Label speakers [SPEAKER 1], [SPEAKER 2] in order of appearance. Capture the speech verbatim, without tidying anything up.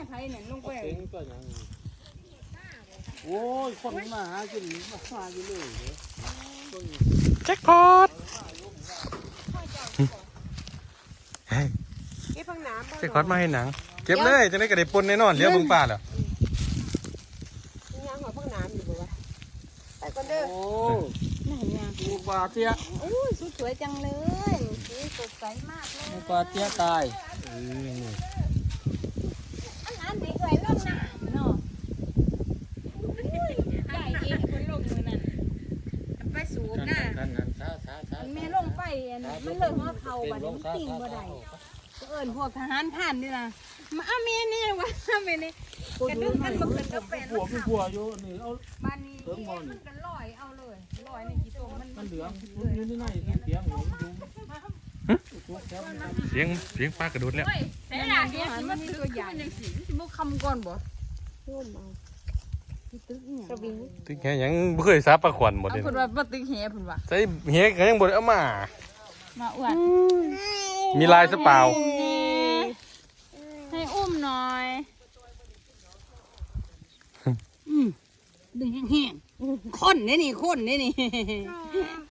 [SPEAKER 1] ไทยเนี่ยลงไป
[SPEAKER 2] โอ้ยคนมาหากินมาหาอยู่เลย
[SPEAKER 3] แจ็คพอต
[SPEAKER 1] เก็บพังน้ำ
[SPEAKER 3] แจ็คพอตมาให้หนังเก็บเลยจะได้กระเด็บปนแน่นอนเลี้ยวบึงป่าแล้ว
[SPEAKER 1] ย่างหัวพังน้ำอยู่บ่วะไปก่อนเด้อโอ้ไหนย่าง
[SPEAKER 2] หมูปลาเตี้ย
[SPEAKER 1] โอ้ยสวยจังเลยสีสดใสมากเลย
[SPEAKER 2] หมูปลาเตี้ยตาย
[SPEAKER 1] อันนั้นดีกว่าล่องน้ำเนาะใหญ่เองคนลงมือนั่นไปสูบนะมันไม่ลงไปมันเลยหัวเข่าบัดนี้ติ่งบ่ได้ก็เอิญพวกทหารผ่านนี่นะมาเอาเมียนี่วะเมียนี่กระดึงกันมาขึ้นก็เป็น
[SPEAKER 2] ผัวพี่ผัวอยู่นี่เอา
[SPEAKER 1] บ้านนี้มันกันลอยเอาเลยลอยในกี่ตัวมัน
[SPEAKER 2] มันเหลืองอยู่ที่ไหนเสียงหัวดู
[SPEAKER 3] เสียงเสียงปลากระโดดแล้ว
[SPEAKER 1] เสียงอะไรเนี่ยมันมีตัวใหญ่มันคำก่อนบ่ร่วมเอาตึกเนี่ยกระบี่
[SPEAKER 3] ตึกแหยังบ่เคยซับปลาขวัญหมดเลย
[SPEAKER 1] เพิ่นว่าบ่ตึกแหเพิ่นว่า
[SPEAKER 3] ใส่แหก็ยังบ่ได้เอามา
[SPEAKER 1] มาอวด
[SPEAKER 3] มีลายซะเปล่า
[SPEAKER 1] ให้อุ้มหน่อยอืมดึงแห้งๆข้นนี่นี่ข้นนี่นี่